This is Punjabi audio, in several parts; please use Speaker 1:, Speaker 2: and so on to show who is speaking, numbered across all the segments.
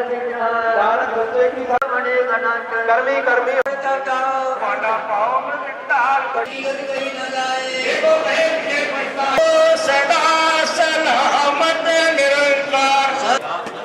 Speaker 1: ਨਾਨਕ ਹੋਤੇ ਕੀ ਬਣੇ ਅਨੰਤ ਕਰਮੀ ਕਰਮੀ ਤੁਹਾਡਾ ਪਾਉ ਮਿਟਾਲ ਕੜੀ ਕਰੀ ਨਾ ਜਾਏ ਦੇਖੋ ਕਹਿ ਕੇ ਪਛਤਾਓ ਸਦਾ ਸਲਾਮਤ ਨਿਰੰਕਾਰ।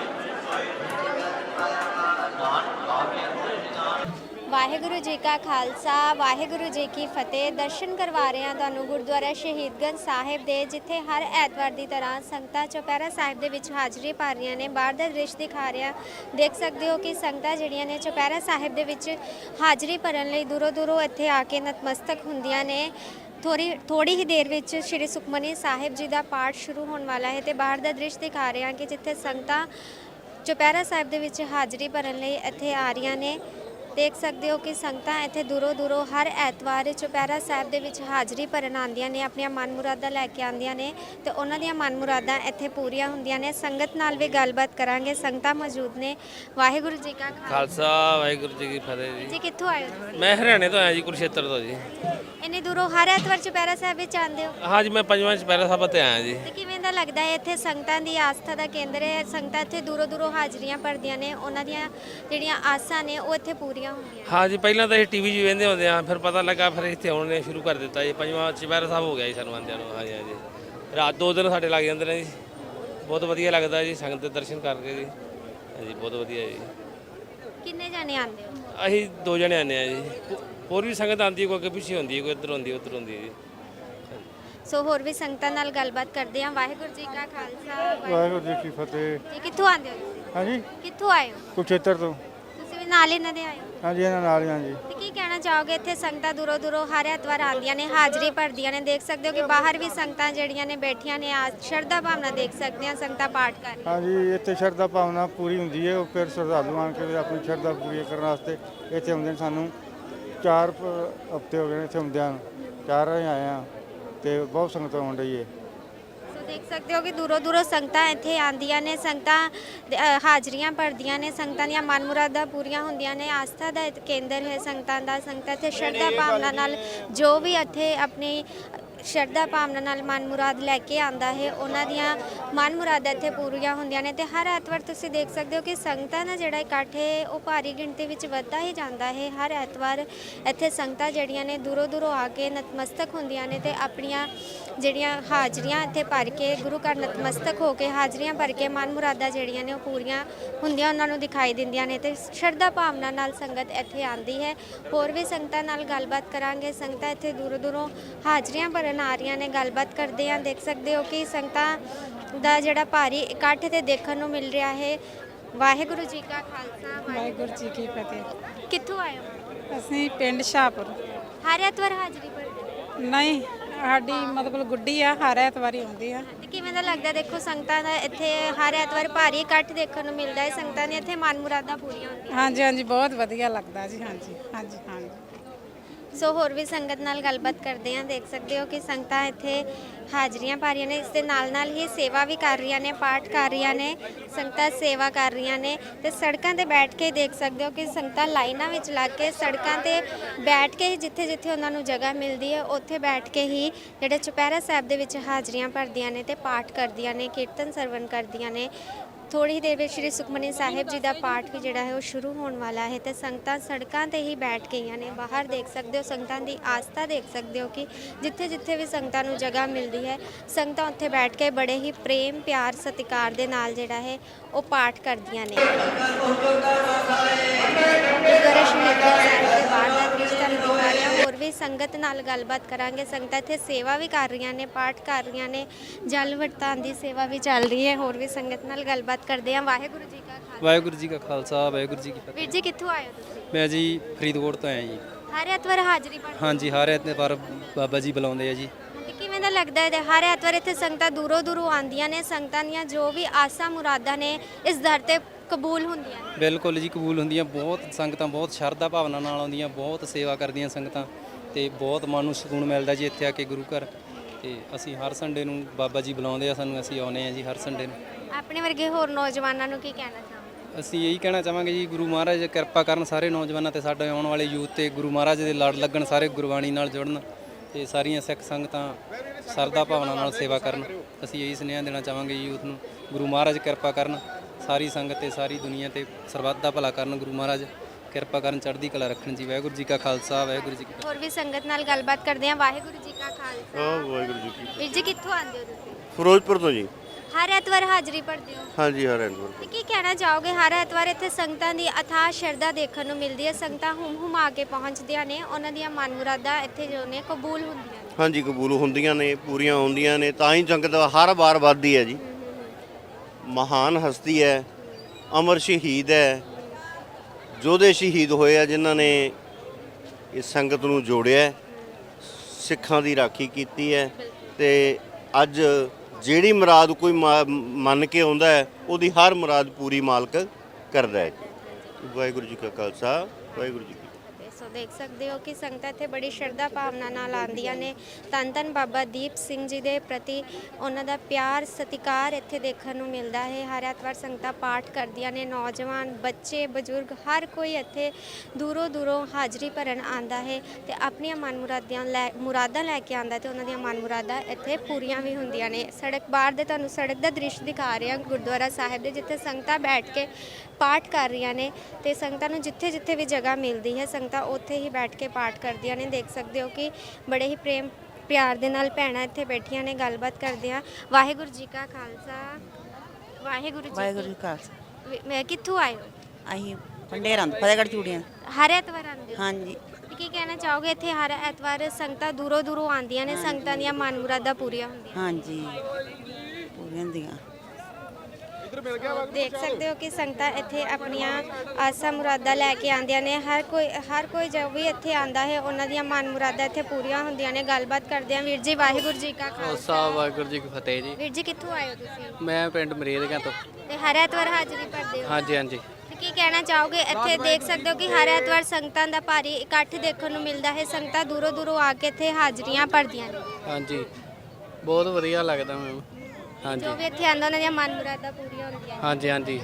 Speaker 2: ਵਾਹਿਗੁਰੂ ਜੀ ਕਾ ਖਾਲਸਾ ਵਾਹਿਗੁਰੂ ਜੀ ਕੀ ਫਤਿਹ। ਦਰਸ਼ਨ ਕਰਵਾ ਰਹੇ ਹਾਂ ਤੁਹਾਨੂੰ ਗੁਰਦੁਆਰਾ ਸ਼ਹੀਦਗੰਜ ਸਾਹਿਬ ਦੇ, ਜਿੱਥੇ ਹਰ ਐਤਵਾਰ ਦੀ ਤਰ੍ਹਾਂ ਸੰਗਤਾਂ ਚੁਪਹਿਰਾ ਸਾਹਿਬ ਦੇ ਵਿੱਚ ਹਾਜ਼ਰੀ ਭਰ ਰਹੀਆਂ ਨੇ। ਬਾਹਰ ਦਾ ਦ੍ਰਿਸ਼ ਦਿਖਾ ਰਿਹਾ, ਦੇਖ ਸਕਦੇ ਹੋ ਕਿ ਸੰਗਤਾਂ ਜਿਹੜੀਆਂ ਨੇ ਚੁਪਹਿਰਾ ਸਾਹਿਬ ਦੇ ਵਿੱਚ ਹਾਜ਼ਰੀ ਭਰਨ ਲਈ ਦੂਰੋਂ ਦੂਰੋਂ ਇੱਥੇ ਆ ਕੇ ਨਤਮਸਤਕ ਹੁੰਦੀਆਂ ਨੇ। ਥੋੜੀ ਹੀ ਦੇਰ ਵਿੱਚ ਸ਼੍ਰੀ ਸੁਖਮਨੀ ਸਾਹਿਬ ਜੀ ਦਾ ਪਾਠ ਸ਼ੁਰੂ ਹੋਣ ਵਾਲਾ ਹੈ ਤੇ ਬਾਹਰ ਦਾ ਦ੍ਰਿਸ਼ ਦਿਖਾ ਰਹੇ ਹਾਂ ਕਿ ਜਿੱਥੇ ਸੰਗਤਾਂ ਚੁਪਹਿਰਾ ਸਾਹਿਬ ਦੇ ਵਿੱਚ ਹਾਜ਼ਰੀ ਭਰਨ ਲਈ ਇੱਥੇ ਆ ਰਹੀਆਂ ਨੇ। ਦੇਖ ਸਕਦੇ ਹੋ ਕਿ ਸੰਗਤਾਂ ਇੱਥੇ ਦੂਰੋਂ ਦੂਰੋਂ ਹਰ ਐਤਵਾਰ ਚੁਪਹਿਰਾ ਸਾਹਿਬ ਦੇ ਵਿੱਚ ਹਾਜ਼ਰੀ ਭਰਨ ਆਉਂਦੀਆਂ ਨੇ, ਆਪਣੀਆਂ ਮਨ ਮੁਰਾਦਾਂ ਲੈ ਕੇ ਆਉਂਦੀਆਂ ਨੇ ਤੇ ਉਹਨਾਂ ਦੀਆਂ ਮਨ ਮੁਰਾਦਾਂ ਇੱਥੇ ਪੂਰੀਆਂ ਹੁੰਦੀਆਂ ਨੇ। ਸੰਗਤ ਨਾਲ ਵੀ ਗੱਲਬਾਤ ਕਰਾਂਗੇ, ਸੰਗਤਾਂ ਮੌਜੂਦ ਨੇ। ਵਾਹਿਗੁਰੂ ਜੀ ਕਾ
Speaker 3: ਖਾਲਸਾ ਵਾਹਿਗੁਰੂ ਜੀ ਕੀ ਫਤਿਹ
Speaker 2: ਜੀ। ਕਿੱਥੋਂ ਆਏ ਹੋ?
Speaker 3: ਮੈਂ ਹਰਿਆਣੇ ਤੋਂ ਆਇਆ ਜੀ, ਕੁਰੂਕਸ਼ੇਤਰ ਤੋਂ ਜੀ।
Speaker 2: ਇੰਨੀ ਦੂਰੋਂ ਹਰ ਐਤਵਾਰ ਚੁਪਹਿਰਾ ਸਾਹਿਬ ਵਿੱਚ ਆਉਂਦੇ ਹੋ?
Speaker 3: ਹਾਂ ਜੀ, ਮੈਂ ਪੰਜਵਾਂ ਚੁਪਹਿਰਾ ਸਾਹਿਬ ਤੇ ਆਇਆ ਜੀ।
Speaker 2: ਤੇ ਕਿਵੇਂ ਦਾ ਲੱਗਦਾ ਹੈ? ਇੱਥੇ ਸੰਗਤਾਂ ਦੀ ਆਸਥਾ ਦਾ ਕੇਂਦਰ ਹੈ। ਸੰਗਤਾਂ ਇੱਥੇ ਦੂਰੋਂ ਦੂਰੋਂ ਹਾਜ਼ਰੀਆਂ ਭਰਦੀਆਂ ਨੇ, ਉਹਨਾਂ ਦੀਆਂ ਜਿਹੜੀਆਂ ਆਸਾਂ ਨੇ ਉਹ ਇੱਥੇ ਪੂਰੀਆਂ ਹੁੰਦੀਆਂ।
Speaker 3: ਹਾਂ ਜੀ, ਪਹਿਲਾਂ ਤਾਂ ਇਹ ਟੀਵੀ 'ਚ ਵੇਖਦੇ ਹੁੰਦੇ ਆ, ਫਿਰ ਪਤਾ ਲੱਗਾ, ਫਿਰ ਇੱਥੇ ਆਉਣ ਨੇ ਸ਼ੁਰੂ ਕਰ ਦਿੱਤਾ ਜੀ। ਪੰਜਵਾਂ ਚੁਪਹਿਰਾ ਸਾਹਿਬ ਹੋ ਗਿਆ ਜੀ ਸਾਨੂੰ ਆਉਂਦਿਆਂ ਨੂੰ। ਹਾਂ ਜੀ, ਹਾਂ ਜੀ, ਰਾਤ 2 ਦਿਨ ਸਾਡੇ ਲੱਗ ਜਾਂਦੇ ਨੇ ਜੀ। ਬਹੁਤ ਵਧੀਆ ਲੱਗਦਾ ਜੀ ਸੰਗਤ ਦੇ ਦਰਸ਼ਨ ਕਰਕੇ ਜੀ। ਹਾਂ ਜੀ, ਬਹੁਤ ਵਧੀਆ ਜੀ।
Speaker 2: ਕਿੰਨੇ ਜਾਣੇ ਆਉਂਦੇ ਹੋ?
Speaker 3: ਅਸੀਂ 2 ਜਣੇ ਆਉਂਦੇ ਆ ਜੀ। ਹੋਰ ਵੀ ਸੰਗਤ ਆਉਂਦੀ ਹੈ, ਕੋਈ ਅੱਗੇ ਪਿੱਛੇ ਹੁੰਦੀ ਹੈ, ਕੋਈ ਇੱਧਰ ਹੁੰਦੀ ਹੈ, ਉੱਧਰ ਹੁੰਦੀ ਹੈ ਜੀ।
Speaker 2: ਸੋ ਹੋਰ ਵੀ ਸੰਗਤਾਂ ਨਾਲ ਗੱਲਬਾਤ ਕਰਦੇ ਹਾਂ। ਵਾਹਿਗੁਰੂ ਜੀ ਕਾ ਖਾਲਸਾ
Speaker 4: ਵਾਹਿਗੁਰੂ ਜੀ ਕੀ ਫਤਿਹ।
Speaker 2: ਜੀ ਕਿੱਥੋਂ ਆਉਂਦੇ ਹੋ ਤੁਸੀਂ?
Speaker 4: ਹਾਂਜੀ,
Speaker 2: ਕਿੱਥੋਂ ਆਏ ਹੋ?
Speaker 4: ਕੁਰੂਕਸ਼ੇਤਰ ਤੋਂ।
Speaker 2: ਤੁਸੀਂ ਵੀ ਨਾਲ ਇਹਨਾਂ ਦੇ ਆਏ ਹੋ?
Speaker 4: ਹਾਂਜੀ, ਇਹਨਾਂ ਨਾਲ ਹੀ। ਹਾਂਜੀ,
Speaker 2: ਤੇ ਕੀ ਕਹਿਣਾ ਚਾਹੋਗੇ? ਇੱਥੇ ਸੰਗਤਾਂ ਦੂਰੋਂ ਦੂਰੋਂ ਹਰ ਐਤਵਾਰ ਆਉਂਦੀਆਂ ਨੇ, ਹਾਜ਼ਰੀ ਭਰਦੀਆਂ ਨੇ। ਦੇਖ ਸਕਦੇ ਹੋ ਕਿ ਬਾਹਰ ਵੀ ਸੰਗਤਾਂ ਜਿਹੜੀਆਂ ਨੇ ਬੈਠੀਆਂ ਨੇ, ਸ਼ਰਧਾ ਭਾਵਨਾ ਦੇਖ ਸਕਦੇ ਹਾਂ, ਸੰਗਤਾਂ ਪਾਠ ਕਰ ਰਹੀਆਂ।
Speaker 4: ਹਾਂਜੀ, ਇੱਥੇ ਸ਼ਰਧਾ ਭਾਵਨਾ ਪੂਰੀ ਹੁੰਦੀ ਹੈ। ਉਹ ਫਿਰ ਸ਼ਰਧਾਲੂ ਆਣ ਕੇ ਆਪਣੀ ਸ਼ਰਧਾ ਪੂਰੀ ਕਰਨ ਵਾਸਤੇ ਇੱਥੇ ਆਉਂਦੇ ਨੇ। ਸਾਨੂੰ 4 ਹਫ਼ਤੇ ਹੋ ਗਏ ਨੇ ਇੱਥੇ ਆਉਂਦਿਆਂ ਨੂੰ, 4 ਵਾਰ ਆਏ ਆ ਤੇ ਬਹੁਤ ਸੰਗਤ ਆਉਣ ਰਹੀ ਹੈ।
Speaker 2: ਸੋ ਦੇਖ ਸਕਦੇ ਹੋ ਕਿ ਦੂਰੋਂ ਦੂਰੋਂ ਸੰਗਤਾਂ ਇੱਥੇ ਆਉਂਦੀਆਂ ਨੇ, ਸੰਗਤਾਂ ਹਾਜ਼ਰੀਆਂ ਭਰਦੀਆਂ ਨੇ, ਸੰਗਤਾਂ ਦੀਆਂ ਮਨ ਮੁਰਾਦਾਂ ਪੂਰੀਆਂ ਹੁੰਦੀਆਂ ਨੇ। ਆਸਥਾ ਦਾ ਕੇਂਦਰ ਹੈ ਸੰਗਤਾਂ ਦਾ। ਸੰਗਤਾਂ ਇੱਥੇ ਸ਼ਰਧਾ ਭਾਵਨਾ ਨਾਲ ਜੋ ਵੀ ਇੱਥੇ ਆਪਣੀ ਸ਼ਰਧਾ ਭਾਵਨਾ ਨਾਲ ਮਨ ਮੁਰਾਦ ਲੈ ਕੇ ਆਂਦਾ ਹੈ, ਉਹਨਾਂ ਦੀਆਂ ਮਨ ਮੁਰਾਦਾਂ ਇੱਥੇ ਪੂਰੀਆਂ ਹੁੰਦੀਆਂ ਨੇ। ਤੇ ਹਰ ਐਤਵਾਰ ਤੁਸੀਂ ਦੇਖ ਸਕਦੇ ਹੋ ਕਿ ਸੰਗਤਾਂ ਦਾ ਜਿਹੜਾ ਇਕੱਠ ਹੈ ਉਹ ਭਾਰੀ ਗਿਣਤੀ ਵਿੱਚ ਵੱਧਦਾ ਹੀ ਜਾਂਦਾ ਹੈ। ਹਰ ਐਤਵਾਰ ਇੱਥੇ ਸੰਗਤਾਂ ਜਿਹੜੀਆਂ ਨੇ ਦੂਰੋਂ ਦੂਰੋਂ ਆ ਕੇ ਨਤਮਸਤਕ ਹੁੰਦੀਆਂ ਨੇ ਤੇ ਆਪਣੀਆਂ ਜਿਹੜੀਆਂ ਹਾਜ਼ਰੀਆਂ ਇੱਥੇ ਭਰ ਕੇ, ਗੁਰੂ ਘਰ ਨਤਮਸਤਕ ਹੋ ਕੇ ਹਾਜ਼ਰੀਆਂ ਭਰ ਕੇ ਮਨ ਮੁਰਾਦਾਂ ਜਿਹੜੀਆਂ ਨੇ ਉਹ ਪੂਰੀਆਂ ਹੁੰਦੀਆਂ ਉਹਨਾਂ ਨੂੰ ਦਿਖਾਈ ਦਿੰਦੀਆਂ ਨੇ ਤੇ ਸ਼ਰਧਾ ਭਾਵਨਾ ਨਾਲ ਸੰਗਤ ਇੱਥੇ ਆਉਂਦੀ ਹੈ। ਹੋਰ ਵੀ ਸੰਗਤਾਂ ਨਾਲ ਗੱਲਬਾਤ ਕਰਾਂਗੇ। ਸੰਗਤਾਂ ਇੱਥੇ ਦੂਰੋਂ ਦੂਰੋਂ ਹਾਜ਼ਰੀਆਂ ਭਰਨ ਆ ਰਹੀਆਂ ਨੇ, ਗੱਲਬਾਤ ਕਰਦੇ ਹਾਂ। ਦੇਖ ਸਕਦੇ ਹੋ ਕਿ ਸੰਗਤਾਂ ਦਾ ਜਿਹੜਾ ਭਾਰੀ ਇਕੱਠ ਤੇ ਦੇਖਣ ਨੂੰ ਮਿਲ ਰਿਹਾ ਹੈ। ਵਾਹਿਗੁਰੂ ਜੀ ਕਾ ਖਾਲਸਾ
Speaker 5: ਵਾਹਿਗੁਰੂ ਜੀ ਕੀ ਫਤਿਹ।
Speaker 2: ਕਿੱਥੋਂ ਆਏ ਹੋ?
Speaker 5: ਅਸੀਂ ਪਿੰਡ ਸ਼ਾਹਪੁਰ।
Speaker 2: ਹਰ ਐਤਵਾਰ ਹਾਜ਼ਰੀ ਭਰਦੇ?
Speaker 5: ਨਹੀਂ, ਸਾਡੀ ਮਤਲਬ ਗੁੱਡੀ ਆ, ਹਰ ਐਤਵਾਰੀ ਆਉਂਦੀ ਆ।
Speaker 2: ਤੇ ਕਿਵੇਂ ਦਾ ਲੱਗਦਾ? ਦੇਖੋ ਸੰਗਤਾਂ ਦਾ ਇੱਥੇ ਹਰ ਐਤਵਾਰ ਭਾਰੀ ਇਕੱਠ ਦੇਖਣ ਨੂੰ ਮਿਲਦਾ ਹੈ। ਸੰਗਤਾਂ ਦੀਆਂ ਇੱਥੇ ਮਨ ਮੁਰਾਦਾਂ ਪੂਰੀਆਂ ਹੁੰਦੀਆਂ।
Speaker 5: ਹਾਂਜੀ ਹਾਂਜੀ, ਬਹੁਤ ਵਧੀਆ ਲੱਗਦਾ ਜੀ। ਹਾਂਜੀ ਹਾਂਜੀ ਹਾਂਜੀ।
Speaker 2: ਸੋ ਹੋਰ ਵੀ ਸੰਗਤ ਨਾਲ ਗੱਲਬਾਤ ਕਰਦੇ ਹਾਂ। ਦੇਖ ਸਕਦੇ ਹੋ ਕਿ ਸੰਗਤਾਂ ਇੱਥੇ ਹਾਜ਼ਰੀਆਂ ਭਰ ਰਹੀਆਂ ਨੇ, ਇਸ ਦੇ ਨਾਲ ਨਾਲ ਹੀ ਸੇਵਾ ਵੀ ਕਰ ਰਹੀਆਂ ਨੇ, ਪਾਠ ਕਰ ਰਹੀਆਂ ਨੇ। ਸੰਗਤਾਂ ਸੇਵਾ ਕਰ ਰਹੀਆਂ ਨੇ ਤੇ ਸੜਕਾਂ ਤੇ ਬੈਠ ਕੇ ਦੇਖ ਸਕਦੇ ਹੋ ਕਿ ਸੰਗਤਾਂ ਲਾਈਨਾਂ ਵਿੱਚ ਲੱਗ ਕੇ ਸੜਕਾਂ ਤੇ ਬੈਠ ਕੇ ਹੀ ਜਿੱਥੇ ਜਿੱਥੇ ਉਹਨਾਂ ਨੂੰ ਜਗ੍ਹਾ ਮਿਲਦੀ ਹੈ ਉੱਥੇ ਬੈਠ ਕੇ ਹੀ ਜਿਹੜੇ ਚੁਪਹਿਰਾ ਸਾਹਿਬ ਦੇ ਵਿੱਚ ਹਾਜ਼ਰੀਆਂ ਭਰਦੀਆਂ ਨੇ ਤੇ ਪਾਠ ਕਰਦੀਆਂ ਨੇ, ਕੀਰਤਨ ਸਰਵਣ ਕਰਦੀਆਂ ਨੇ। ਥੋੜੀ ਦੇਰ ਵਿੱਚ ਸ਼੍ਰੀ ਸੁਖਮਨੀ ਸਾਹਿਬ ਜੀ ਦਾ ਪਾਠ ਵੀ ਜਿਹੜਾ ਹੈ ਉਹ ਸ਼ੁਰੂ ਹੋਣ ਵਾਲਾ ਹੈ ਤੇ ਸੰਗਤਾਂ ਸੜਕਾਂ ਤੇ ਹੀ ਬੈਠ ਗਈਆਂ ਨੇ। ਬਾਹਰ ਦੇਖ ਸਕਦੇ ਹੋ ਸੰਗਤਾਂ ਦੀ ਆਸਥਾ, ਦੇਖ ਸਕਦੇ ਹੋ ਕਿ ਜਿੱਥੇ ਜਿੱਥੇ ਵੀ ਸੰਗਤਾਂ ਨੂੰ ਜਗ੍ਹਾ ਮਿਲਦੀ ਹੈ ਸੰਗਤਾਂ ਉੱਥੇ ਬੈਠ ਕੇ ਬੜੇ ਹੀ ਪ੍ਰੇਮ ਪਿਆਰ ਸਤਿਕਾਰ ਦੇ ਨਾਲ ਜਿਹੜਾ ਹੈ ਉਹ ਪਾਠ ਕਰਦੀਆਂ ਨੇ। ਗੁਰਦੁਆਰਾ ਸ਼ਹੀਦਗੰਜ ਸਾਹਿਬ ਦੇ ਬਾਹਰ ਦਾ ਦ੍ਰਿਸ਼ ਤੁਹਾਨੂੰ ਦਿਖਾ ਰਿਹਾ। ਹੋਰ ਵੀ ਸੰਗਤ ਨਾਲ ਗੱਲਬਾਤ ਕਰਾਂਗੇ। ਸੰਗਤਾਂ ਇੱਥੇ ਸੇਵਾ ਵੀ ਕਰ ਰਹੀਆਂ ਨੇ, ਪਾਠ ਕਰ ਰਹੀਆਂ ਨੇ, ਜਲ ਵਰਤਾਨ ਦੀ ਸੇਵਾ ਵੀ ਚੱਲ ਰਹੀ ਹੈ। ਹੋਰ ਵੀ ਸੰਗਤ ਨਾਲ ਗੱਲਬਾਤ ਕਰਦੇ ਹਾਂ। ਵਾਹਿਗੁਰੂ ਜੀ ਕਾ ਖਾਲਸਾ
Speaker 6: ਵਾਹਿਗੁਰੂ ਜੀ ਕਾ ਖਾਲਸਾ ਵਾਹਿਗੁਰੂ ਜੀ ਕੀ ਫਤਿਹ।
Speaker 2: ਵੀਰ ਜੀ ਕਿੱਥੋਂ ਆਏ ਹੋ ਤੁਸੀਂ?
Speaker 6: ਮੈਂ ਜੀ ਫਰੀਦਕੋਟ ਤੋਂ ਆਇਆ ਜੀ।
Speaker 2: ਹਰ ਐਤਵਾਰ ਹਾਜ਼ਰੀ ਭਰਦੇ?
Speaker 6: ਹਾਂਜੀ, ਹਰ ਐਤਵਾਰ ਬਾਬਾ ਜੀ ਬੁਲਾਉਂਦੇ ਆ ਜੀ।
Speaker 2: ਤੇ ਕਿਵੇਂ ਦਾ ਲੱਗਦਾ ਹੈ? ਹਰ ਐਤਵਾਰ ਇੱਥੇ ਸੰਗਤਾਂ ਦੂਰੋਂ ਦੂਰੋਂ ਆਉਂਦੀਆਂ ਨੇ, ਸੰਗਤਾਂ ਦੀਆਂ ਜੋ ਵੀ ਆਸਾਂ ਮੁਰਾਦਾਂ ਨੇ ਇਸ ਦਰ ਤੇ ਕਬੂਲ ਹੁੰਦੀਆਂ ਨੇ।
Speaker 6: ਬਿਲਕੁਲ ਜੀ, ਕਬੂਲ ਹੁੰਦੀਆਂ। ਬਹੁਤ ਸੰਗਤਾਂ ਬਹੁਤ ਸ਼ਰਧਾ ਭਾਵਨਾ ਨਾਲ ਆਉਂਦੀਆਂ, ਬਹੁਤ ਸੇਵਾ ਕਰਦੀਆਂ ਸੰਗਤਾਂ ਤੇ ਬਹੁਤ ਮਨ ਨੂੰ ਸਕੂਨ ਮਿਲਦਾ ਜੀ ਇੱਥੇ ਆ ਕੇ ਗੁਰੂ ਘਰ। ਤੇ ਅਸੀਂ ਹਰ ਸੰਡੇ ਨੂੰ ਬਾਬਾ ਜੀ ਬੁਲਾਉਂਦੇ ਆ ਸਾਨੂੰ, ਅਸੀਂ ਆਉਂਦੇ ਆ ਜੀ ਹਰ ਸੰਡੇ ਨੂੰ।
Speaker 2: ਆਪਣੇ ਵਰਗੇ ਹੋਰ ਨੌਜਵਾਨਾਂ ਨੂੰ ਕੀ ਕਹਿਣਾ ਚਾਹੋਗੇ?
Speaker 6: ਅਸੀਂ ਇਹੀ ਕਹਿਣਾ ਚਾਹਾਂਗੇ ਜੀ, ਗੁਰੂ ਮਹਾਰਾਜ ਕਿਰਪਾ ਕਰਨ ਸਾਰੇ ਨੌਜਵਾਨਾਂ ਤੇ, ਸਾਡੇ ਆਉਣ ਵਾਲੇ ਯੂਥ ਤੇ ਗੁਰੂ ਮਹਾਰਾਜ ਦੇ ਲੜ ਲੱਗਣ, ਸਾਰੇ ਗੁਰਬਾਣੀ ਨਾਲ ਜੁੜਨ ਤੇ ਸਾਰੀਆਂ ਸਿੱਖ ਸੰਗਤਾਂ ਸ਼ਰਧਾ ਭਾਵਨਾ ਨਾਲ ਸੇਵਾ ਕਰਨ। ਅਸੀਂ ਇਹੀ ਸੁਨੇਹਾ ਦੇਣਾ ਚਾਹਾਂਗੇ ਯੂਥ ਨੂੰ, ਗੁਰੂ ਮਹਾਰਾਜ ਕਿਰਪਾ ਕਰਨ, ਸਾਰੀ ਸੰਗਤ ਤੇ ਸਾਰੀ ਦੁਨੀਆ ਤੇ ਸਰਬੱਤ ਦਾ ਭਲਾ ਕਰਨ ਗੁਰੂ ਮਹਾਰਾਜ ਕਿਰਪਾ ਕਰਨ ਚੜ੍ਹਦੀ ਕਲਾ ਰੱਖਣ ਜੀ। ਵਾਹਿਗੁਰੂ ਜੀ ਕਾ ਖਾਲਸਾ ਵਾਹਿਗੁਰੂ ਜੀ ਕੀ ਫਤਿਹ।
Speaker 2: ਹੋਰ ਵੀ ਸੰਗਤ ਨਾਲ ਗੱਲਬਾਤ ਕਰਦੇ ਹਾਂ। ਵਾਹਿਗੁਰੂ ਜੀ ਕਾ ਖਾਲਸਾ।
Speaker 1: ਵਾਹਿਗੁਰੂ ਜੀ ਕੀ
Speaker 2: ਵੀਰ ਜੀ ਕਿੱਥੋਂ ਆਉਂਦੇ ਹੋ ਤੁਸੀਂ?
Speaker 1: ਫਿਰੋਜ਼ਪੁਰ ਤੋਂ ਜੀ।
Speaker 2: ਹਰ ਐਤਵਾਰ ਹਾਜ਼ਰੀ ਭਰਦੇ ਹੋ
Speaker 1: ਹਾਂਜੀ ਹਰ ਐਤਵਾਰ।
Speaker 2: ਤੇ ਕੀ ਕਹਿਣਾ ਚਾਹੋਗੇ? ਹਰ ਐਤਵਾਰ ਇੱਥੇ ਸੰਗਤਾਂ ਦੀ ਅਥਾਹ ਸ਼ਰਧਾ ਦੇਖਣ ਨੂੰ ਮਿਲਦੀ ਹੈ। ਸੰਗਤਾਂ ਹੁਮ-ਹੁਮਾ ਕੇ ਪਹੁੰਚਦੀਆਂ ਨੇ, ਉਹਨਾਂ ਦੀਆਂ ਮਨ ਮੁਰਾਦਾਂ ਇੱਥੇ ਜੋ ਨੇ ਕਬੂਲ ਹੁੰਦੀਆਂ ਨੇ।
Speaker 1: ਹਾਂਜੀ ਕਬੂਲ ਹੁੰਦੀਆਂ ਨੇ, ਪੂਰੀਆਂ ਹੁੰਦੀਆਂ ਨੇ, ਤਾਂ ਹੀ ਸੰਗਤ ਹਰ ਵਾਰ ਵੱਧਦੀ ਹੈ ਜੀ। ਮਹਾਨ ਹਸਤੀ ਹੈ, ਅਮਰ ਸ਼ਹੀਦ ਹੈ, ਯੋਧੇ ਸ਼ਹੀਦ ਹੋਏ ਆ ਜਿਨ੍ਹਾਂ ਨੇ ਇਸ ਸੰਗਤ ਨੂੰ ਜੋੜਿਆ ਹੈ, ਸਿੱਖਾਂ ਦੀ ਰਾਖੀ ਕੀਤੀ ਹੈ। ਤੇ ਅੱਜ ਜਿਹੜੀ ਮੁਰਾਦ ਕੋਈ ਮੰਨ ਕੇ ਆਉਂਦਾ ਹੈ ਉਹਦੀ ਹਰ ਮੁਰਾਦ ਪੂਰੀ ਮਾਲਕ ਕਰਦਾ ਹੈ ਜੀ। ਵਾਹਿਗੁਰੂ ਜੀ ਕਾ ਖਾਲਸਾ ਵਾਹਿਗੁਰੂ ਜੀ ਕੀ
Speaker 2: ਤੇ ਸੋ ਦੇਖ ਸਕਦੇ ਹੋ ਕਿ ਸੰਗਤਾਂ ਇੱਥੇ ਬੜੀ ਸ਼ਰਧਾ ਭਾਵਨਾ ਨਾਲ ਆਉਂਦੀਆਂ ਨੇ। ਧੰਨ ਧੰਨ ਬਾਬਾ ਦੀਪ ਸਿੰਘ ਜੀ ਦੇ ਪ੍ਰਤੀ ਉਹਨਾਂ ਦਾ ਪਿਆਰ ਸਤਿਕਾਰ ਇੱਥੇ ਦੇਖਣ ਨੂੰ ਮਿਲਦਾ ਹੈ। ਹਰ ਐਤਵਾਰ ਸੰਗਤਾਂ ਪਾਠ ਕਰਦੀਆਂ ਨੇ, ਨੌਜਵਾਨ ਬੱਚੇ ਬਜ਼ੁਰਗ ਹਰ ਕੋਈ ਇੱਥੇ ਦੂਰੋਂ ਦੂਰੋਂ ਹਾਜ਼ਰੀ ਭਰਨ ਆਂਦਾ ਹੈ ਤੇ ਆਪਣੀਆਂ ਮਨ ਮੁਰਾਦਾਂ ਲੈ ਕੇ ਆਂਦਾ ਤੇ ਉਹਨਾਂ ਦੀਆਂ ਮਨ ਮੁਰਾਦਾਂ ਇੱਥੇ ਪੂਰੀਆਂ ਵੀ ਹੁੰਦੀਆਂ ਨੇ। ਸੜਕ ਬਾਹਰ ਦੇ ਤੁਹਾਨੂੰ ਸੜਕ ਦਾ ਦ੍ਰਿਸ਼ ਦਿਖਾ ਰਹੇ ਹਾਂ ਗੁਰਦੁਆਰਾ ਸਾਹਿਬ ਦੇ, ਜਿੱਥੇ ਸੰਗਤਾਂ ਬੈਠ ਕੇ ਪਾਠ ਕਰ ਰਹੀਆਂ ਨੇ ਤੇ ਸੰਗਤਾਂ ਨੂੰ ਜਿੱਥੇ ਜਿੱਥੇ ਵੀ ਜਗ੍ਹਾ ਮਿਲਦੀ ਹੈ ਸੰਗਤਾਂ ਉੱਥੇ ਹੀ ਬੈਠ ਕੇ ਪਾਠ ਕਰਦੀਆਂ ਨੇ। ਦੇਖ ਸਕਦੇ ਹੋ ਕਿ ਬੜੇ ਹੀ ਪ੍ਰੇਮ ਪਿਆਰ ਦੇ ਨਾਲ ਭੈਣਾਂ ਇੱਥੇ ਬੈਠੀਆਂ ਨੇ। ਗੱਲਬਾਤ ਕਰਦੇ ਆ। ਵਾਹਿਗੁਰੂ ਜੀ ਕਾ ਖਾਲਸਾ ਵਾਹਿਗੁਰੂ
Speaker 7: ਵਾਹਿਗੁਰੂ
Speaker 2: ਜੀ
Speaker 7: ਜੀ ਕਾ ਖਾਲਸਾ।
Speaker 2: ਕੀ ਮੈਂ ਕਿੱਥੋਂ ਆਏ ਹੋ?
Speaker 7: ਅਸੀਂ ਪੰਡੇਰਾਂ ਤੋਂ ਫਤਿਹਗੜ੍ਹ ਚੂੜੀਆਂ।
Speaker 2: ਹਰ ਐਤਵਾਰ ਆਉਂਦੇ ਹੋ?
Speaker 7: ਹਾਂਜੀ
Speaker 2: ਤੇ ਕੀ ਕਹਿਣਾ ਚਾਹੋਗੇ? ਇੱਥੇ ਹਰ ਐਤਵਾਰ ਸੰਗਤਾਂ ਦੂਰੋਂ ਦੂਰੋਂ ਆਉਂਦੀਆਂ ਨੇ, ਸੰਗਤਾਂ ਦੀਆਂ ਮਨ ਮੁਰਾਦਾਂ ਪੂਰੀਆਂ ਹੁੰਦੀਆਂ।
Speaker 7: ਹਾਂਜੀ ਪੂਰੀਆਂ ਹੁੰਦੀਆਂ।
Speaker 2: ਦੇਖ ਸਕਦੇ ਹੋ ਕਿ ਸੰਗਤਾਂ ਇੱਥੇ ਆਪਣੀਆਂ ਆਸਾਂ ਮੁਰਾਦਾਂ ਲੈ ਕੇ ਆਉਂਦੀਆਂ ਨੇ। ਹਰ ਕੋਈ ਜੋ ਵੀ ਇੱਥੇ ਆਂਦਾ ਹੈ ਉਹਨਾਂ ਦੀਆਂ ਮਨ ਮੁਰਾਦਾਂ ਇੱਥੇ ਪੂਰੀਆਂ ਹੁੰਦੀਆਂ ਨੇ। ਗੱਲਬਾਤ ਕਰਦੇ ਹਾਂ। ਵੀਰ ਜੀ ਵਾਹਿਗੁਰੂ ਜੀ ਕਾ ਖਾਲਸਾ
Speaker 6: ਵਾਹਿਗੁਰੂ ਜੀ ਕੀ ਫਤਿਹ ਜੀ।
Speaker 2: ਵੀਰ ਜੀ ਕਿੱਥੋਂ ਆਏ ਹੋ ਤੁਸੀਂ?
Speaker 6: ਮੈਂ ਪਿੰਡ ਮਰੇਦਗਾਂ ਤੋਂ।
Speaker 2: ਤੇ ਹਰ ਐਤਵਾਰ ਹਾਜ਼ਰੀ ਭਰਦੇ ਹੋ?
Speaker 6: ਹਾਂਜੀ ਹਾਂਜੀ।
Speaker 2: ਤੇ ਕੀ ਕਹਿਣਾ ਚਾਹੋਗੇ? ਇੱਥੇ ਦੇਖ ਸਕਦੇ ਹੋ ਕਿ ਹਰ ਐਤਵਾਰ ਸੰਗਤਾਂ ਦਾ ਭਾਰੀ ਇਕੱਠ ਦੇਖਣ ਨੂੰ ਮਿਲਦਾ ਹੈ। ਸੰਗਤਾਂ ਦੂਰੋਂ ਦੂਰੋਂ ਆ ਕੇ ਇੱਥੇ ਹਾਜ਼ਰੀਆਂ ਭਰਦੀਆਂ ਨੇ।
Speaker 6: ਹਾਂਜੀ ਬਹੁਤ ਵਧੀਆ ਲੱਗਦਾ ਮੈਨੂੰ। ਹਾਂਜੀ
Speaker 2: ਜੋ ਵੀ ਇੱਥੇ ਆਂਦਾ ਉਹਨਾਂ ਦੀਆਂ ਮਨ ਮੁਰਾਦਾਂ ਪੂਰੀਆਂ ਹੁੰਦੀਆਂ ਨੇ।
Speaker 6: ਹਾਂਜੀ ਹਾਂਜੀ।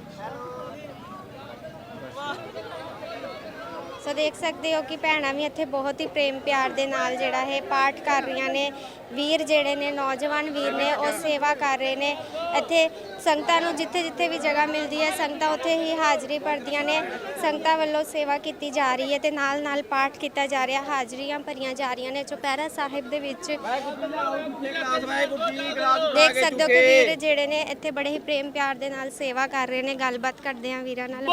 Speaker 2: ਸੋ ਦੇਖ ਸਕਦੇ ਹੋ ਕਿ ਭੈਣਾਂ ਵੀ ਇੱਥੇ ਬਹੁਤ ਹੀ ਪ੍ਰੇਮ ਪਿਆਰ ਦੇ ਨਾਲ ਜਿਹੜਾ ਹੈ ਪਾਠ ਕਰ ਰਹੀਆਂ ਨੇ। ਵੀਰ ਜਿਹੜੇ ਨੇ, ਨੌਜਵਾਨ ਵੀਰ ਨੇ, ਉਹ ਸੇਵਾ ਕਰ ਰਹੇ ਨੇ। ਇੱਥੇ ਸੰਗਤਾਂ ਨੂੰ ਜਿੱਥੇ ਜਿੱਥੇ ਵੀ ਜਗ੍ਹਾ ਮਿਲਦੀ ਹੈ ਸੰਗਤਾਂ ਉੱਥੇ ਹੀ ਹਾਜ਼ਰੀ ਭਰਦੀਆਂ ਨੇ। ਸੰਗਤਾਂ ਵੱਲੋਂ ਸੇਵਾ ਕੀਤੀ ਜਾ ਰਹੀ ਹੈ ਤੇ ਨਾਲ ਨਾਲ ਪਾਠ ਕੀਤਾ ਜਾ ਰਿਹਾ, ਹਾਜ਼ਰੀਆਂ ਭਰੀਆਂ ਜਾ ਰਹੀਆਂ ਨੇ। ਚੁਪਹਿਰਾ ਸਾਹਿਬ ਦੇ ਵਿੱਚ ਦੇਖ ਸਕਦੇ ਹੋ ਕਿ ਵੀਰ ਜਿਹੜੇ ਨੇ ਇੱਥੇ ਬੜੇ ਹੀ ਪ੍ਰੇਮ ਪਿਆਰ ਦੇ ਨਾਲ ਸੇਵਾ ਕਰ ਰਹੇ ਨੇ। ਗੱਲਬਾਤ ਕਰਦੇ ਹਾਂ ਵੀਰਾਂ ਨਾਲ।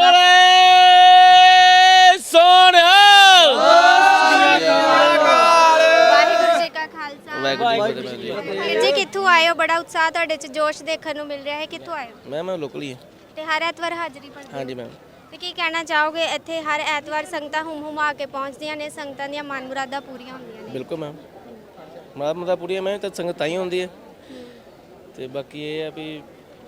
Speaker 2: ਵਾਹਿਗੁਰੂ ਜੀ ਕਾ ਖਾਲਸਾ
Speaker 3: ਵਾਹਿਗੁਰੂ ਜੀ ਕੀ ਫਤਿਹ।
Speaker 2: ਵੀਰ ਜੀ ਕਿੱਥੋਂ ਆਏ ਹੋ? ਬੜਾ ਉਤਸ਼ਾਹ ਤੁਹਾਡੇ 'ਚ ਜੋਸ਼ ਦੇਖਣ ਨੂੰ ਮਿਲ ਰਿਹਾ ਹੈ। ਕਿੱਥੋਂ ਆਏ ਹੋ?
Speaker 3: ਮੈਂ ਲੋਕਲ ਹੀ ਹਾਂ।
Speaker 2: ਤੇ ਹਰ ਐਤਵਾਰ ਹਾਜ਼ਰੀ ਭਰਦੇ ਹੋ?
Speaker 3: ਹਾਂਜੀ ਮੈਮ।
Speaker 2: ਤੇ ਕੀ ਕਹਿਣਾ ਚਾਹੋਗੇ? ਇੱਥੇ ਹਰ ਐਤਵਾਰ ਸੰਗਤਾਂ ਹੁਮ-ਹੁਮਾ ਕੇ ਪਹੁੰਚਦੀਆਂ ਨੇ, ਸੰਗਤਾਂ ਦੀਆਂ ਮਨ ਮੁਰਾਦਾਂ ਪੂਰੀਆਂ ਹੁੰਦੀਆਂ ਨੇ।
Speaker 3: ਬਿਲਕੁਲ ਮੈਮ, ਮੁਰਾਦਾਂ ਪੂਰੀਆਂ ਮੈਂ ਤਾਂ ਸੰਗਤ ਤਾਂ ਹੀ ਹੁੰਦੀ ਹੈ। ਤੇ ਬਾਕੀ ਇਹ ਆ ਵੀ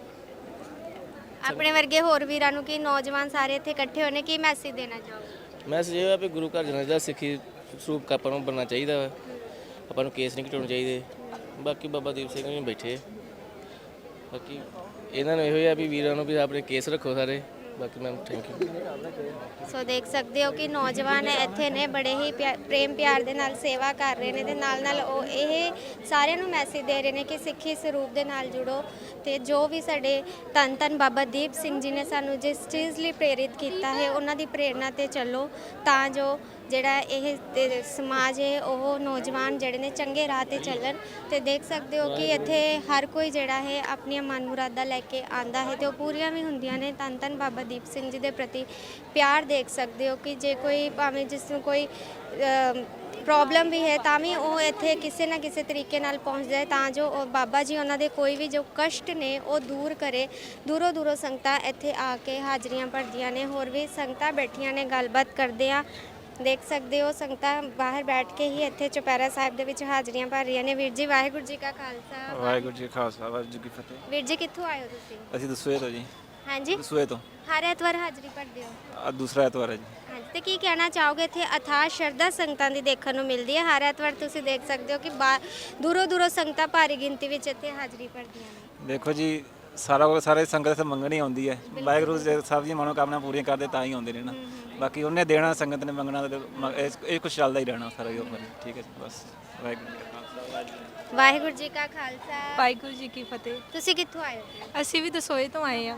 Speaker 2: ਆਪਣੇ ਵਰਗੇ ਹੋਰ ਵੀਰਾਂ ਨੂੰ ਕੀ ਨੌਜਵਾਨ ਸਾਰੇ ਇੱਥੇ ਇਕੱਠੇ ਹੋਣੇ, ਕੀ ਮੈਸੇਜ ਦੇਣਾ ਚਾਹੋਗੇ?
Speaker 3: ਮੈਸੇਜ ਇਹ ਆ ਵੀ ਗੁਰੂ ਘਰ ਜਾਣਾ ਚਾਹੀਦਾ, ਸਿੱਖੀ ਸਰੂਪ ਆਪਾਂ ਨੂੰ ਬਣਨਾ ਚਾਹੀਦਾ ਵਾ। ਆਪਾਂ ਨੂੰ ਕੇਸ ਨਹੀਂ ਘਟਾਉਣੇ ਚਾਹੀਦੇ। ਬਾਕੀ ਬਾਬਾ ਦੀਪ ਸਿੰਘ ਜੀ ਬੈਠੇ, ਬਾਕੀ ਇਹਨਾਂ ਨੂੰ ਇਹੋ ਹੀ ਆ ਵੀ ਵੀਰਾਂ ਨੂੰ ਵੀ ਆਪਣੇ ਕੇਸ ਰੱਖੋ ਸਾਰੇ। ਬਾਕੀ ਮੈਮ ਥੈਂਕ ਯੂ।
Speaker 2: ਸੋ ਦੇਖ ਸਕਦੇ ਹੋ ਕਿ ਨੌਜਵਾਨ ਇੱਥੇ ਨੇ, ਬੜੇ ਹੀ ਪ੍ਰੇਮ ਪਿਆਰ ਦੇ ਨਾਲ ਸੇਵਾ ਕਰ ਰਹੇ ਨੇ ਤੇ ਨਾਲ ਨਾਲ ਉਹ ਇਹ ਸਾਰਿਆਂ ਨੂੰ ਮੈਸੇਜ ਦੇ ਰਹੇ ਨੇ ਕਿ ਸਿੱਖੀ ਸਰੂਪ ਦੇ ਨਾਲ ਜੁੜੋ ਤੇ ਜੋ ਵੀ ਸਾਡੇ ਧੰਨ ਧੰਨ ਬਾਬਾ ਦੀਪ ਸਿੰਘ ਜੀ ਨੇ ਸਾਨੂੰ ਜਿਸ ਚੀਜ਼ ਲਈ ਪ੍ਰੇਰਿਤ ਕੀਤਾ ਹੈ ਉਹਨਾਂ ਦੀ ਪ੍ਰੇਰਣਾ ਤੇ ਚੱਲੋ, ਤਾਂ ਜੋ ਜਿਹੜਾ ਇਹ ਸਮਾਜ ਹੈ ਉਹ ਨੌਜਵਾਨ ਜਿਹੜੇ ਨੇ ਚੰਗੇ ਰਾਹ ਤੇ ਚੱਲਣ। ਤੇ ਦੇਖ ਸਕਦੇ ਹੋ ਕਿ ਇੱਥੇ ਹਰ ਕੋਈ ਜਿਹੜਾ ਹੈ ਆਪਣੀਆਂ ਮਨ ਮੁਰਾਦਾਂ ਲੈ ਕੇ ਆਂਦਾ ਹੈ ਤੇ ਉਹ ਪੂਰੀਆਂ ਵੀ ਹੁੰਦੀਆਂ ਨੇ। ਧੰਨ ਧੰਨ ਬਾਬਾ ਦੀਪ ਸਿੰਘ ਜੀ ਦੇ ਪ੍ਰਤੀ ਪਿਆਰ ਦੇਖ ਸਕਦੇ ਹੋ ਕਿ ਜੇ ਕੋਈ ਭਾਵੇਂ ਜਿਸ ਨੂੰ ਕੋਈ ਪ੍ਰੋਬਲਮ ਵੀ ਹੈ ਤਾਂ ਵੀ ਉਹ ਇੱਥੇ ਕਿਸੇ ਨਾ ਕਿਸੇ ਤਰੀਕੇ ਨਾਲ ਪਹੁੰਚ ਜਾਏ, ਤਾਂ ਜੋ ਉਹ ਬਾਬਾ ਜੀ ਉਹਨਾਂ ਦੇ ਕੋਈ ਵੀ ਜੋ ਕਸ਼ਟ ਨੇ ਉਹ ਦੂਰ ਕਰੇ। ਦੂਰੋਂ ਦੂਰੋਂ ਸੰਗਤਾਂ ਇੱਥੇ ਆ ਕੇ ਹਾਜ਼ਰੀਆਂ ਭਰਦੀਆਂ ਨੇ। ਹੋਰ ਵੀ ਸੰਗਤਾਂ ਬੈਠੀਆਂ ਨੇ, ਗੱਲਬਾਤ ਕਰਦੇ ਆ। ਦੇਖ ਸਕਦੇ ਹੋ ਸੰਗਤਾਂ ਬਾਹਰ ਬੈਠ ਕੇ ਹੀ ਇੱਥੇ ਚੁਪਹਿਰਾ ਸਾਹਿਬ ਦੇ ਵਿੱਚ ਹਾਜ਼ਰੀਆਂ ਭਰ ਰਹੀਆਂ ਨੇ। ਵੀਰ ਜੀ ਵਾਹਿਗੁਰੂ ਜੀ ਕਾ ਖਾਲਸਾ
Speaker 8: ਵਾਹਿਗੁਰੂ ਜੀ ਕਾ ਖਾਲਸਾ ਵਾਹਿਗੁਰੂ ਜੀ ਕੀ ਫਤਿਹ।
Speaker 2: ਵੀਰ ਜੀ ਕਿੱਥੋਂ ਆਏ ਹੋ ਤੁਸੀਂ?
Speaker 8: ਅਸੀਂ ਦਸੂਏ ਤੋਂ ਜੀ।
Speaker 2: ਹਾਂਜੀ,
Speaker 8: ਦਸੂਏ ਤੋਂ।
Speaker 2: ਹਰ ਐਤਵਾਰ ਹਾਜ਼ਰੀ ਭਰਦੇ ਹੋ?
Speaker 8: ਅੱਜ ਦੂਸਰਾ ਐਤਵਾਰ ਹੈ ਜੀ।
Speaker 2: ਹਾਂਜੀ, ਤੇ ਕੀ ਕਹਿਣਾ ਚਾਹੋਗੇ? ਇੱਥੇ ਅਥਾਹ ਸ਼ਰਧਾ ਸੰਗਤਾਂ ਦੀ ਦੇਖਣ ਨੂੰ ਮਿਲਦੀ ਹੈ। ਹਰ ਐਤਵਾਰ ਤੁਸੀਂ ਦੇਖ ਸਕਦੇ ਹੋ ਕਿ ਦੂਰੋਂ ਦੂਰੋਂ ਸੰਗਤਾਂ ਭਾਰੀ ਗਿਣਤੀ ਵਿੱਚ ਇੱਥੇ ਹਾਜ਼ਰੀ ਭਰਦੀਆਂ ਨੇ।
Speaker 8: ਦੇਖੋ ਜੀ, ਸਾਰੇ ਸੰਗਤ ਇੱਥੇ ਮੰਗਣ ਹੀ ਆਉਂਦੀ ਹੈ। ਵਾਹਿਗੁਰੂ ਜੀ ਸਭ ਦੀਆਂ ਮਨੋਕਾਮਨਾ ਪੂਰੀਆਂ ਕਰਦੇ ਤਾਂ ਹੀ ਆਉਂਦੇ ਨੇ ਨਾ। ਬਾਕੀ ਉਹਨੇ ਦੇਣਾ, ਸੰਗਤ ਨੇ ਮੰਗਣਾ, ਇਹ ਕੁਛ ਚੱਲਦਾ ਹੀ ਰਹਿਣਾ ਸਾਰਾ ਹੀ ਉੱਪਰ। ਠੀਕ ਹੈ ਜੀ, ਬਸ ਵਾਹਿਗੁਰੂ ਜੀ ਕਾ ਖਾਲਸਾ
Speaker 2: ਵਾਹਿਗੁਰੂ ਜੀ ਕਾ ਖਾਲਸਾ
Speaker 5: ਵਾਹਿਗੁਰੂ ਜੀ ਕੀ ਫਤਿਹ।
Speaker 2: ਤੁਸੀਂ ਕਿੱਥੋਂ ਆਏ ਹੋ?
Speaker 5: ਅਸੀਂ ਵੀ ਦਸੋਏ ਤੋਂ ਆਏ ਆ।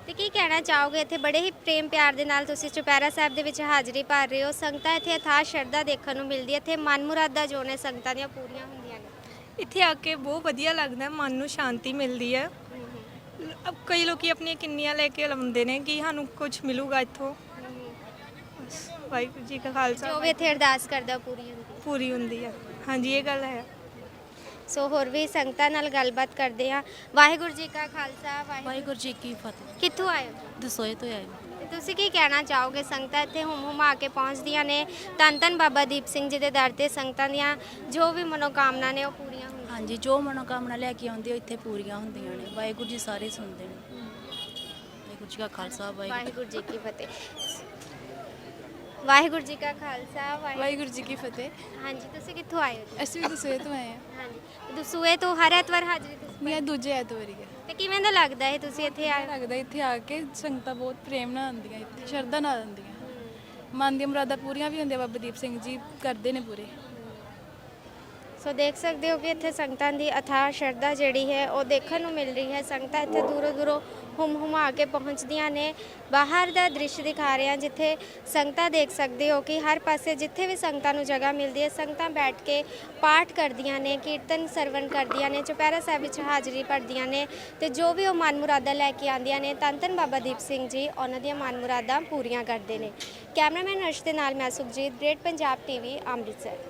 Speaker 2: ਤੇ ਕੀ ਕਹਿਣਾ ਚਾਹੋਗੇ ਇੱਥੇ ਬੜੇ ਹੀ ਪ੍ਰੇਮ ਪਿਆਰ ਦੇ ਨਾਲ ਤੁਸੀਂ ਚੁਪਹਿਰਾ ਸਾਹਿਬ ਦੇ ਵਿੱਚ ਹਾਜ਼ਰੀ ਭਰ ਰਹੇ ਹੋ। ਸੰਗਤਾਂ ਇੱਥੇ ਅਥਾਹ ਸ਼ਰਧਾ ਦੇਖਣ ਨੂੰ ਮਿਲਦੀ ਹੈ। ਇੱਥੇ ਮਨ ਮੁਰਾਦਾਂ ਜੋ ਨੇ ਸੰਗਤਾਂ ਦੀਆਂ ਪੂਰੀਆਂ ਹੁੰਦੀਆਂ ਨੇ।
Speaker 9: ਇੱਥੇ ਆ ਕੇ ਬਹੁਤ ਵਧੀਆ ਲੱਗਦਾ ਹੈ, ਮਨ ਨੂੰ ਸ਼ਾਂਤੀ ਮਿਲਦੀ ਹੈ। ਕਈ ਲੋਕੀ ਆਪਣੀਆਂ ਕਿੰਨੀਆਂ ਲੈ ਕੇ ਲਾਉਂਦੇ ਨੇ ਕਿ ਸਾਨੂੰ ਕੁਝ ਮਿਲੂਗਾ ਇੱਥੋਂ। ਬਸ ਵਾਹਿਗੁਰੂ ਜੀ ਕਾ ਖਾਲਸਾ
Speaker 2: ਜੋ ਵੀ ਇੱਥੇ ਅਰਦਾਸ ਕਰਦਾ ਉਹ ਪੂਰੀ ਹੁੰਦੀ ਹੈ।
Speaker 9: ਪੂਰੀ ਹੁੰਦੀ ਹੈ। ਹਾਂਜੀ ਇਹ ਗੱਲ ਹੈ।
Speaker 2: ਸੋ ਹੋਰ ਵੀ ਸੰਗਤਾਂ ਨਾਲ ਗੱਲਬਾਤ ਕਰਦੇ ਹਾਂ। ਵਾਹਿਗੁਰੂ ਜੀ ਕਾ ਖਾਲਸਾ
Speaker 10: ਵਾਹਿਗੁਰੂ ਜੀ ਕੀ ਫਤਿਹ।
Speaker 2: ਕਿੱਥੋਂ ਆਏ ਹੋ?
Speaker 10: ਦਸੋਏ ਤੋਂ ਆਏ।
Speaker 2: ਤੇ ਤੁਸੀਂ ਕੀ ਕਹਿਣਾ ਚਾਹੋਗੇ? ਸੰਗਤਾਂ ਇੱਥੇ ਹੁਮਾ ਕੇ ਪਹੁੰਚਦੀਆਂ ਨੇ। ਧੰਨ ਧੰਨ ਬਾਬਾ ਦੀਪ ਸਿੰਘ ਜੀ ਦੇ ਦਰ ਤੇ ਸੰਗਤਾਂ ਦੀਆਂ ਜੋ ਵੀ ਮਨੋਕਾਮਨਾ ਨੇ ਉਹ ਪੂਰੀਆਂ ਹੁੰਦੀਆਂ।
Speaker 10: ਹਾਂਜੀ, ਜੋ ਮਨੋਕਾਮਨਾ ਲੈ ਕੇ ਆਉਂਦੇ ਹੋ ਇੱਥੇ ਪੂਰੀਆਂ ਹੁੰਦੀਆਂ ਨੇ। ਵਾਹਿਗੁਰੂ ਜੀ ਸਾਰੇ ਸੁਣਦੇ ਨੇ। ਵਾਹਿਗੁਰੂ ਜੀ ਕਾ ਖਾਲਸਾ
Speaker 2: ਵਾਹਿਗੁਰੂ ਜੀ ਕੀ ਫਤਿਹ। ਵਾਹਿਗੁਰੂ ਜੀ ਕਾ ਖਾਲਸਾ
Speaker 5: ਵਾਹਿਗੁਰੂ ਜੀ ਕੀ ਫਤਿਹ।
Speaker 2: ਹਾਂਜੀ, ਤੁਸੀਂ ਕਿੱਥੋਂ ਆਏ ਹੋ ਜੀ?
Speaker 5: ਅਸੀਂ ਵੀ ਦਸੋਏ ਤੋਂ ਆਏ ਹਾਂ।
Speaker 2: ਹਾਂਜੀ, ਦਸੂਏ ਤੋਂ ਹਰ ਐਤਵਾਰ ਹਾਜ਼ਰੀ ਤੁਸੀਂ
Speaker 5: ਮੈਂ ਦੂਜੇ ਐਤਵਾਰੀ ਹੈ।
Speaker 2: ਤੇ ਕਿਵੇਂ ਦਾ ਲੱਗਦਾ ਹੈ ਤੁਸੀਂ ਇੱਥੇ ਆਏ?
Speaker 5: ਲੱਗਦਾ ਇੱਥੇ ਆ ਕੇ ਸੰਗਤਾਂ ਬਹੁਤ ਪ੍ਰੇਮ ਨਾਲ ਆਉਂਦੀਆਂ, ਇੱਥੇ ਸ਼ਰਧਾ ਨਾਲ ਆਉਂਦੀਆਂ। ਮਨ ਦੀਆਂ ਮੁਰਾਦਾਂ ਪੂਰੀਆਂ ਵੀ ਹੁੰਦੀਆਂ। ਬਾਬਾ ਦੀਪ ਸਿੰਘ ਜੀ ਕਰਦੇ ਨੇ ਪੂਰੇ।
Speaker 2: ਸੋ ਦੇਖ ਸਕਦੇ ਹੋ ਕਿ ਇੱਥੇ ਸੰਗਤਾਂ ਦੀ ਅਥਾਹ ਸ਼ਰਧਾ ਜਿਹੜੀ ਹੈ ਉਹ ਦੇਖਣ ਨੂੰ ਮਿਲ ਰਹੀ ਹੈ। ਸੰਗਤਾਂ ਇੱਥੇ ਦੂਰੋਂ ਦੂਰੋਂ ਹੁਮਾ ਕੇ ਪਹੁੰਚਦੀਆਂ ਨੇ। ਬਾਹਰ ਦਾ ਦ੍ਰਿਸ਼ ਦਿਖਾ ਰਹੇ ਹਾਂ ਜਿੱਥੇ ਸੰਗਤਾਂ ਦੇਖ ਸਕਦੇ ਹੋ ਕਿ ਹਰ ਪਾਸੇ ਜਿੱਥੇ ਵੀ ਸੰਗਤਾਂ ਨੂੰ ਜਗ੍ਹਾ ਮਿਲਦੀ ਹੈ ਸੰਗਤਾਂ ਬੈਠ ਕੇ ਪਾਠ ਕਰਦੀਆਂ ਨੇ, ਕੀਰਤਨ ਸਰਵਣ ਕਰਦੀਆਂ ਨੇ, ਚੁਪਹਿਰਾ ਸਾਹਿਬ ਵਿੱਚ ਹਾਜ਼ਰੀ ਭਰਦੀਆਂ ਨੇ ਤੇ ਜੋ ਵੀ ਉਹ ਮਨ ਮੁਰਾਦਾਂ ਲੈ ਕੇ ਆਉਂਦੀਆਂ ਨੇ ਧੰਨ ਧੰਨ ਬਾਬਾ ਦੀਪ ਸਿੰਘ ਜੀ ਉਹਨਾਂ ਦੀਆਂ ਮਨ ਮੁਰਾਦਾਂ ਪੂਰੀਆਂ ਕਰਦੇ ਨੇ। ਕੈਮਰਾਮੈਨ ਅਰਸ਼ ਦੇ ਨਾਲ ਮੈਂ ਸੁਖਜੀਤ, ਗ੍ਰੇਟ ਪੰਜਾਬ ਟੀਵੀ, ਅੰਮ੍ਰਿਤਸਰ।